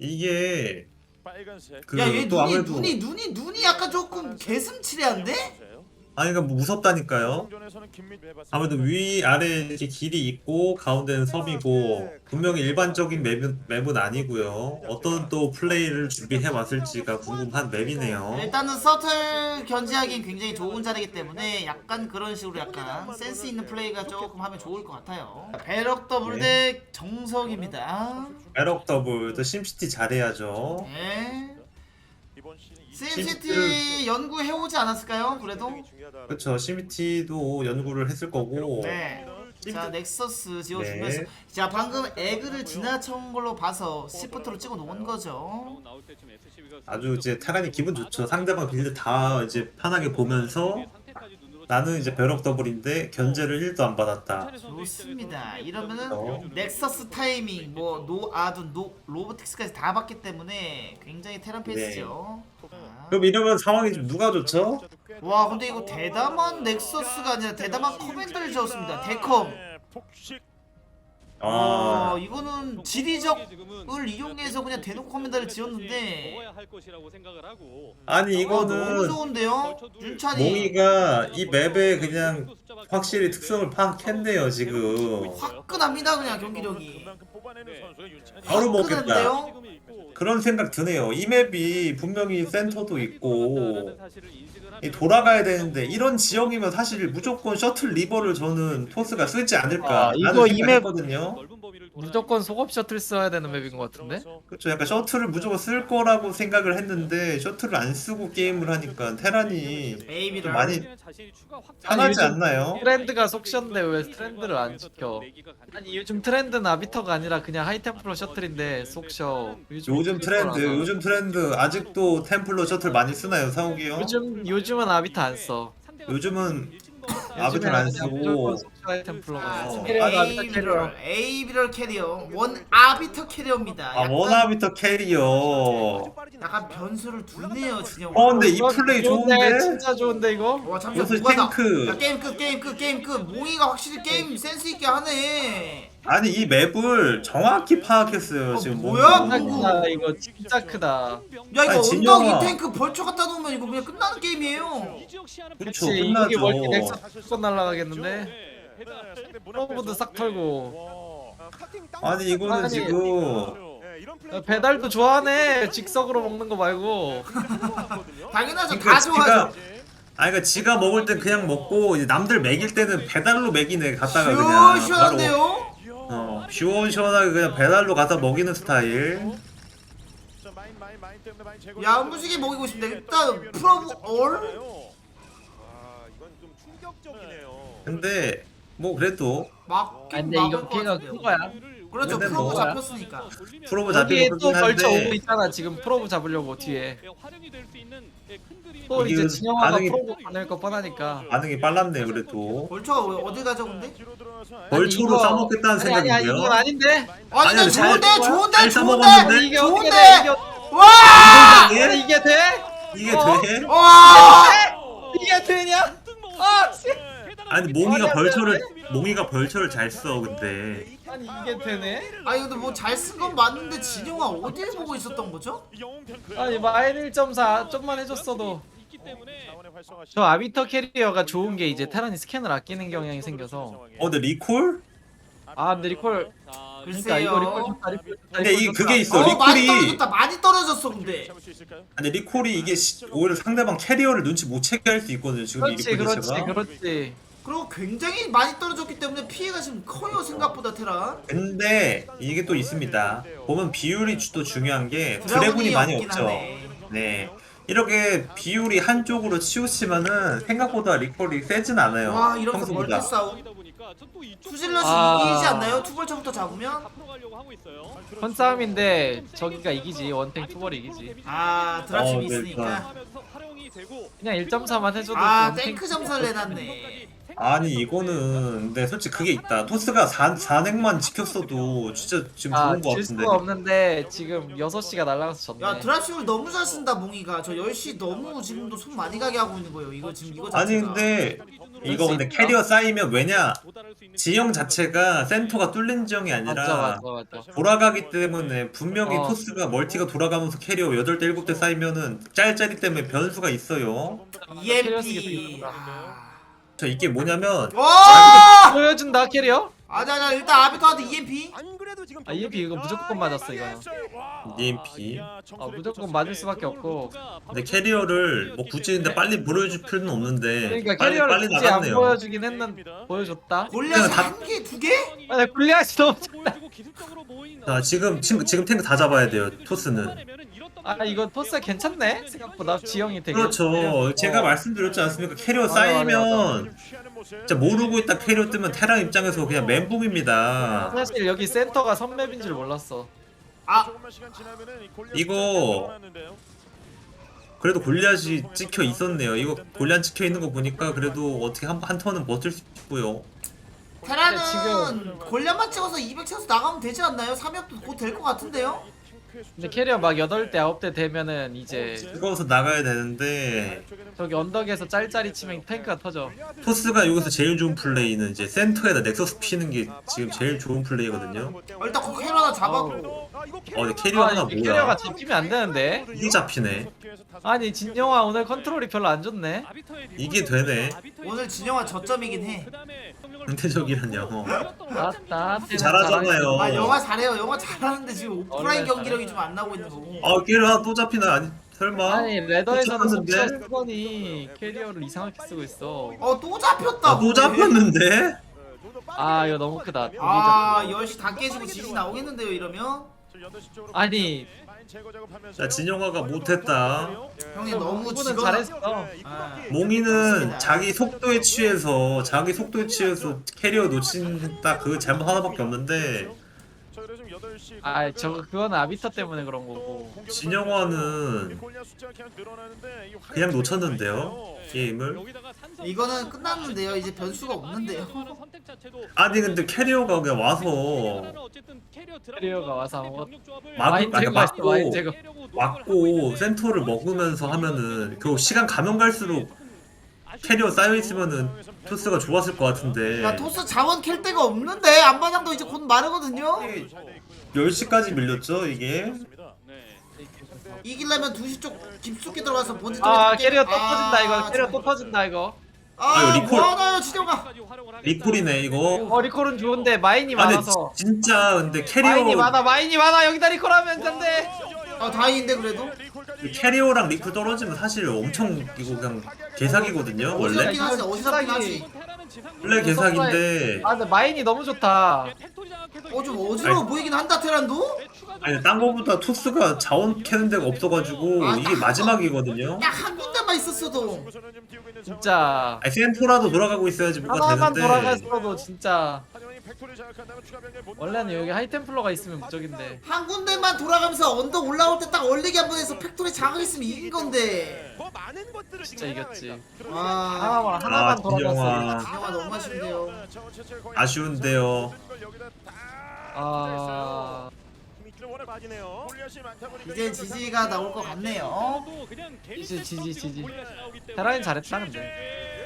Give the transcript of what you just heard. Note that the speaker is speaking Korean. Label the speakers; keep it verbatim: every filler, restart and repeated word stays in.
Speaker 1: 이게
Speaker 2: 빨간색.
Speaker 1: 그
Speaker 3: 야, 얘
Speaker 1: 또
Speaker 3: 눈이
Speaker 1: 아무래도
Speaker 3: 눈이 눈이 눈이 약간 조금 개슴츠레한데?
Speaker 1: 아니 그러니까 뭐 무섭다니까요. 아무래도 위 아래 이렇게 길이 있고 가운데는 섬이고 분명히 일반적인 맵은, 맵은 아니고요. 어떤 또 플레이를 준비해 왔을지가 궁금한 맵이네요.
Speaker 3: 일단은 서틀 견제하기엔 굉장히 좋은 자리이기 때문에 약간 그런 식으로 약간 센스 있는 플레이가 조금 하면 좋을 것 같아요. 배럭 더블
Speaker 1: 네.
Speaker 3: 대 정석입니다.
Speaker 1: 에럭 더블 또 심시티 잘해야죠.
Speaker 3: 네.
Speaker 2: 이번 시즌
Speaker 3: 심시티 연구해오지 않았을까요? 그래도?
Speaker 1: 그렇죠. 심시티도 연구를 했을 거고.
Speaker 3: 네. 자, 넥서스 지어주면서
Speaker 1: 네.
Speaker 3: 자, 방금 에그를 지나친 걸로 봐서 시프트로 찍어 놓은 거죠.
Speaker 1: 아주 이제 타간이 기분 좋죠. 상대방 빌드 다 이제 편하게 보면서 나는 이제 벼럭 더블인데 견제를 일도 안 받았다.
Speaker 3: 좋습니다. 이러면은
Speaker 1: 어.
Speaker 3: 넥서스 타이밍, 뭐 노아둔, 노 로보틱스까지 다 봤기 때문에 굉장히 테란 페이스죠. 자.
Speaker 1: 그럼 이러면 상황이 좀 누가 좋죠?
Speaker 3: 와, 근데 이거 대담한 넥서스가 아니라 대담한 커맨드를 지었습니다. 데컴.
Speaker 2: 폭식.
Speaker 3: 아,
Speaker 1: 아,
Speaker 3: 이거는 지리적을 이용해서 그냥 대놓고 커맨드를 지었는데
Speaker 1: 아니
Speaker 3: 아, 너무
Speaker 1: 이거는
Speaker 3: 좋은데요? 윤찬이
Speaker 1: 몽이가 이 맵에 그냥 확실히 특성을 파악했네요 지금.
Speaker 3: 화끈합니다. 그냥 경기력이
Speaker 2: 그만큼 뽑아내는 선수가 윤찬이.
Speaker 1: 바로 먹겠다.
Speaker 3: 화끈한데요?
Speaker 1: 그런 생각 드네요. 이 맵이 분명히 센터도 있고 이 돌아가야 되는데 이런 지형이면 사실 무조건 셔틀 리버를 저는 토스가 쓰지 않을까
Speaker 4: 아, 이거
Speaker 1: 라는
Speaker 4: 이 맵-
Speaker 1: 생각했거든요.
Speaker 4: 무조건 속업 셔틀 써야 되는 맵인 것 같은데?
Speaker 1: 그렇죠. 약간 셔틀을 무조건 쓸 거라고 생각을 했는데 셔틀을 안 쓰고 게임을 하니까 테란이 좀
Speaker 3: 베이비를
Speaker 1: 많이 편하지
Speaker 4: 요즘
Speaker 1: 않나요?
Speaker 4: 트렌드가 속셨는데 왜 트렌드를 안 지켜? 아니 요즘 트렌드는 아비터가 아니라 그냥 하이템플러 셔틀인데 속셔.
Speaker 1: 요즘 트렌드,
Speaker 4: 트렌드라서.
Speaker 1: 요즘 트렌드 아직도 템플러 셔틀 많이 쓰나요, 사욱이요?
Speaker 4: 요즘 요즘은 아비터 안 써.
Speaker 1: 요즘은 아비터를
Speaker 4: 요즘에는
Speaker 1: 안
Speaker 4: 그냥
Speaker 1: 쓰고
Speaker 4: 무조건 속셔 하이템플러가
Speaker 3: 아,
Speaker 4: 써.
Speaker 1: 어.
Speaker 3: 에이비럴 에이비럴 캐리어 원 아비터 캐리어입니다.
Speaker 1: 아
Speaker 3: 약간,
Speaker 1: 원아비터 캐리어.
Speaker 3: 약간 변수를 두네요 진영.
Speaker 1: 어 근데 이
Speaker 4: 이거
Speaker 1: 플레이
Speaker 4: 좋은데?
Speaker 1: 좋은데?
Speaker 4: 진짜 좋은데 이거?
Speaker 3: 와 잠시만
Speaker 1: 요새
Speaker 3: 누가 나?
Speaker 1: 탱크.
Speaker 3: 야, 게임 끝 게임 끝 게임 끝. 몽이가 확실히 게임 센스 있게 하네.
Speaker 1: 아니 이 맵을 정확히 파악했어요
Speaker 3: 어,
Speaker 1: 지금
Speaker 3: 뭐야?
Speaker 1: 뭔가.
Speaker 4: 진짜 크다 이거 진짜 크다.
Speaker 3: 야 이거
Speaker 1: 아니,
Speaker 3: 언덕
Speaker 1: 진영아.
Speaker 3: 이 탱크 벌초 갖다 놓으면 이거 그냥 끝나는 게임이에요.
Speaker 1: 그렇죠,
Speaker 4: 그치 이게
Speaker 1: 끝나죠.
Speaker 4: 멀티 넥서스 건 날라가겠는데? 프로브도 싹 털고.
Speaker 1: 아니 이거는
Speaker 4: 아니,
Speaker 1: 지금
Speaker 4: 야, 배달도 좋아하네. 직석으로 먹는 거 말고.
Speaker 3: 당연하죠.
Speaker 1: 그러니까
Speaker 3: 다
Speaker 1: 지가
Speaker 3: 좋아하죠.
Speaker 1: 아니 그러니까 지가 먹을 땐 그냥 먹고 이제 남들 먹일 때는 배달로 먹이네 갔다가 그냥 바로
Speaker 3: 시원시원한데요?
Speaker 1: 어 시원시원하게 그냥 배달로 가서 먹이는 스타일.
Speaker 3: 야무지게 먹이고 싶네. 일단 프로브 얼?
Speaker 2: 아, 이건 좀 충격적이네요.
Speaker 1: 근데 뭐 그래도
Speaker 3: 막긴
Speaker 4: 아, 근데
Speaker 3: 막을
Speaker 4: 이거
Speaker 3: 것
Speaker 4: 피해가
Speaker 3: 같은데요.
Speaker 4: 큰 거야.
Speaker 3: 그렇죠.
Speaker 1: 근데
Speaker 3: 프로브
Speaker 1: 뭐-
Speaker 3: 잡혔으니까.
Speaker 1: 프로브
Speaker 4: 여기에
Speaker 1: 잡히고
Speaker 4: 또
Speaker 1: 그렇긴
Speaker 4: 걸쳐 오고
Speaker 1: 한데
Speaker 4: 있잖아. 지금 프로브 잡으려고 뒤에. 또
Speaker 1: 이게
Speaker 4: 이제 진영아가
Speaker 1: 반응이-
Speaker 4: 프로브 보낼 거 뻔하니까.
Speaker 1: 반응이 빨랐네 그래도.
Speaker 3: 벌초가 왜 어디 가죠 근데?
Speaker 1: 벌초로
Speaker 4: 이거-
Speaker 1: 싸먹겠다는
Speaker 4: 아니, 아니, 아니,
Speaker 1: 생각인데요?
Speaker 4: 이건 아닌데.
Speaker 3: 아니
Speaker 1: 아니야,
Speaker 3: 나
Speaker 1: 잘-
Speaker 3: 좋은데 좋은데
Speaker 1: 잘
Speaker 3: 좋은데
Speaker 1: 싸먹었는데?
Speaker 4: 이게 어떻게 돼?
Speaker 3: 좋은데
Speaker 4: 이게,
Speaker 3: 와!
Speaker 4: 아니, 이게 돼?
Speaker 1: 이게
Speaker 4: 어?
Speaker 1: 돼?
Speaker 3: 와!
Speaker 4: 이게 되냐? 아, 씨.
Speaker 1: 아니 몽이가
Speaker 4: 아니, 안
Speaker 1: 벌초를 몽이가 벌초를 잘 써 근데
Speaker 4: 아니 이게 되네?
Speaker 3: 아니 근데 뭐 잘 쓴 건 맞는데 진영아 어딜 보고 있었던 거죠?
Speaker 4: 아니 마일 일 점 사 좀만 해줬어도. 저 아비터 캐리어가 좋은 게 이제 테란이 스캔을 아끼는 경향이 생겨서.
Speaker 1: 어 근데 리콜?
Speaker 4: 아 근데 리콜 그러니까
Speaker 3: 글쎄요.
Speaker 4: 이거 리콜 좋다 리콜 좋다
Speaker 1: 근데
Speaker 4: 리콜
Speaker 1: 이
Speaker 4: 좋다.
Speaker 1: 그게 있어.
Speaker 3: 어 많이
Speaker 1: 리콜이-
Speaker 3: 떨어졌다 많이 떨어졌어 근데.
Speaker 1: 근데 리콜이 이게 시- 오히려 상대방 캐리어를 눈치 못 채게 할 수 있거든요 지금 이
Speaker 4: 그렇지
Speaker 1: 리콜
Speaker 4: 그렇지
Speaker 1: 자체가.
Speaker 4: 그렇지.
Speaker 3: 그리고 굉장히 많이 떨어졌기 때문에 피해가 지금 커요 생각보다 테란.
Speaker 1: 근데 이게 또 있습니다. 보면 비율이 또 중요한 게 드래곤이
Speaker 3: 드래곤이
Speaker 1: 많이
Speaker 3: 없긴
Speaker 1: 없죠.
Speaker 3: 하네.
Speaker 1: 네. 이렇게 비율이 한쪽으로 치우치면은 생각보다 리콜이 세진 않아요.
Speaker 3: 와 이러면서 멀티
Speaker 1: 평소보다.
Speaker 3: 싸움. 투질럿이
Speaker 4: 아.
Speaker 3: 이기지 않나요? 투벌처부터 잡으면?
Speaker 4: 헌싸움인데 저기가 이기지 원탱 투벌이 이기지.
Speaker 3: 아 드랍십이
Speaker 1: 어, 네,
Speaker 3: 있으니까.
Speaker 4: 그냥 일 점 사만 해줘도
Speaker 3: 아
Speaker 4: 원탱
Speaker 3: 탱크 점사를 내놨네.
Speaker 1: 아니 이거는 근데 솔직히 그게 있다. 토스가 사, 사넥만 지켰어도 진짜 지금
Speaker 4: 아,
Speaker 1: 좋은 거
Speaker 4: 질
Speaker 1: 같은데.
Speaker 4: 수가 없는데 지금 여섯 시가 날아가서 졌네.
Speaker 3: 야 드랍십을 너무 잘 쓴다 몽이가. 저 열 시 너무 지금도 손 많이 가게 하고 있는 거예요. 이거 지금 이거 자체가.
Speaker 1: 아니 근데 이거 근데 캐리어 쌓이면 왜냐 지형 자체가 센터가 뚫린 지형이
Speaker 4: 맞아
Speaker 1: 아니라
Speaker 4: 맞아 맞아.
Speaker 1: 돌아가기 때문에 분명히
Speaker 4: 어.
Speaker 1: 토스가 멀티가 돌아가면서 캐리어 여덟 대 일곱 대 쌓이면은 짤짤이 때문에 변수가 있어요.
Speaker 3: 이엠피. 아.
Speaker 1: 저 이게 뭐냐면
Speaker 3: 와!
Speaker 4: 보여준다 캐리어?
Speaker 3: 아자 자 일단 아비터한테 이엠피.
Speaker 2: 안 그래도 지금
Speaker 4: 아, 이엠피 이거 무조건 맞았어, 이거는.
Speaker 1: 이엠피.
Speaker 4: 아, 무조건 맞을 수밖에 없고.
Speaker 1: 근데 캐리어를 뭐 굳이 근데 빨리 보여줄 필요는 없는데
Speaker 4: 그러니까
Speaker 1: 빨리
Speaker 4: 캐리어를
Speaker 1: 빨리
Speaker 4: 굳이 안
Speaker 1: 나갔네요.
Speaker 4: 보여주긴 했는 보여줬다.
Speaker 3: 골리앗이
Speaker 1: 그냥 다-
Speaker 3: 한 개, 두 개?
Speaker 4: 아, 나 굴리앗이 너무 작다.
Speaker 1: 자 지금 지금 지금 탱크 다 잡아야 돼요 토스는.
Speaker 4: 아 이거 토스 괜찮네 생각보다 지형이 되게.
Speaker 1: 그렇죠. 제가
Speaker 4: 어.
Speaker 1: 말씀드렸지 않습니까? 캐리어
Speaker 4: 맞아, 맞아,
Speaker 1: 쌓이면 진짜 모르고 있다 캐리어 뜨면 테랑 입장에서 그냥 멘붕입니다.
Speaker 4: 사실 여기 센터가 선맵인 줄 몰랐어.
Speaker 3: 아.
Speaker 1: 이거 그래도 골리앗이 찍혀 있었네요. 이거 골리앗 찍혀 있는 거 보니까 그래도 어떻게 한, 한 턴은 버틸 수 있고요.
Speaker 3: 테라는
Speaker 4: 지금-
Speaker 3: 골리앗만 찍어서 이백 채워서 나가면 되지 않나요? 삼역도 곧 될 것 같은데요?
Speaker 4: 근데 캐리어 막 여덟 대 아홉 대 되면은 이제
Speaker 1: 찍어서 나가야 되는데
Speaker 4: 저기 언덕에서 짤짤이 치면 탱크가 터져.
Speaker 1: 토스가 여기서 제일 좋은 플레이는 이제 센터에다 넥서스 피는 게 지금 제일 좋은 플레이거든요.
Speaker 3: 어, 일단 그 캐러 하나 잡았고.
Speaker 1: 어, 근데 캐리어 하나
Speaker 4: 아, 이 캐리어가
Speaker 1: 뭐야?
Speaker 4: 잡히면 안 되는데.
Speaker 1: 이게 잡히네.
Speaker 4: 아니 진영아 오늘 컨트롤이 별로 안 좋네.
Speaker 1: 이게 되네.
Speaker 3: 오늘 진영아 저점이긴 해.
Speaker 1: 은퇴적이라뇨.
Speaker 4: 맞다.
Speaker 1: 잘하잖아요.
Speaker 3: 아 영화 잘해요. 영화 잘하는데 지금 오프라인
Speaker 4: 원래
Speaker 3: 경기력이 좀 안 나오고 있는 거고.
Speaker 1: 아 캐리어 하나 또 잡히나? 아니 설마?
Speaker 4: 아니 레더에서는
Speaker 1: 또
Speaker 4: 속시어
Speaker 1: 잡혔는데?
Speaker 4: 쓰더니 캐리어를 이상하게 쓰고 있어.
Speaker 3: 어 또 잡혔다.
Speaker 1: 아, 또 잡혔는데?
Speaker 4: 아 이거 너무 크다. 되게
Speaker 3: 아
Speaker 4: 작고.
Speaker 3: 열 시 다 깨지고 지지 나오겠는데요 이러면?
Speaker 4: 아니
Speaker 1: 자 진영아가 못했다.
Speaker 3: 형이 너무
Speaker 4: 그거는
Speaker 3: 지거.
Speaker 4: 잘했어.
Speaker 3: 아.
Speaker 1: 몽이는 자기 속도에 취해서 자기 속도에 취해서 캐리어 놓친 딱 그 잘못 하나밖에 없는데
Speaker 4: 아 저거 그거는 아비터 때문에 그런 거고.
Speaker 1: 진영화는 그냥 놓쳤는데요 게임을.
Speaker 3: 이거는 끝났는데요. 이제 변수가 없는데요.
Speaker 1: 아니 근데 캐리어가 그냥 와서
Speaker 4: 캐리어가 와서 아무것
Speaker 1: 막-
Speaker 4: 마인
Speaker 1: 아니,
Speaker 4: 제거
Speaker 1: 막고-
Speaker 4: 했어 마인 제거.
Speaker 1: 왔고 센터를 먹으면서 하면은 그 시간 가면 갈수록 캐리어 쌓여있으면은 토스가 좋았을 것 같은데
Speaker 3: 야 토스 자원 캘 데가 없는데 앞마당도 이제 곧 마르거든요.
Speaker 1: 열 시까지 밀렸죠 이게.
Speaker 3: 이기려면 두 시 쪽 깊숙이 들어가서 본진
Speaker 4: 아
Speaker 3: 쪽에
Speaker 4: 캐리어 또
Speaker 3: 아,
Speaker 4: 터진다 이거. 캐리어
Speaker 3: 참.
Speaker 4: 또 터진다 이거.
Speaker 3: 아
Speaker 1: 아유, 리콜.
Speaker 3: 뭐하나요 진영아.
Speaker 1: 리콜이네 이거.
Speaker 4: 어 리콜은 좋은데 마인이
Speaker 1: 아니
Speaker 4: 많아서.
Speaker 1: 진짜 근데
Speaker 4: 마인이
Speaker 1: 캐리어
Speaker 4: 많아 마인이 많아 여기다 리콜하면 된대.
Speaker 3: 아 다행인데 그래도.
Speaker 1: 캐리어랑 리콜 떨어지면 사실 엄청 이거 그냥 개사기거든요 원래.
Speaker 3: 어지럽긴 하지. 어지럽긴 하지.
Speaker 1: 원래 개사기인데
Speaker 4: 아 근데 마인이 너무 좋다.
Speaker 3: 어 좀 어지러워 보이긴 한다 테란도.
Speaker 1: 아니 딴 거보다 토스가 자원 캐는 데가 없어가지고
Speaker 3: 아,
Speaker 1: 이게 마지막이거든요.
Speaker 3: 야 한 군데만 있었어도.
Speaker 4: 진짜
Speaker 1: 아니 센토라도 돌아가고 있어야지 뭐가
Speaker 4: 하나만
Speaker 1: 되는데.
Speaker 4: 돌아갔어도 진짜 원래는 여기 하이템플러가 있으면 무적인데.
Speaker 3: 한 군데만 돌아가면서 언덕 올라올 때 딱 얼리기 한 번 해서 팩토리 장악했으면 이긴 건데.
Speaker 4: 진짜 이겼지.
Speaker 3: 와
Speaker 4: 하나만 하나만
Speaker 1: 아
Speaker 4: 돌아갔어.
Speaker 1: 진영아
Speaker 3: 진영아 너무 아쉬운데요.
Speaker 1: 아쉬운데요.
Speaker 4: 아
Speaker 3: 이제 지지가 나올 것 같네요.
Speaker 4: 이제 지지 지지. 테라인 잘했다 근데.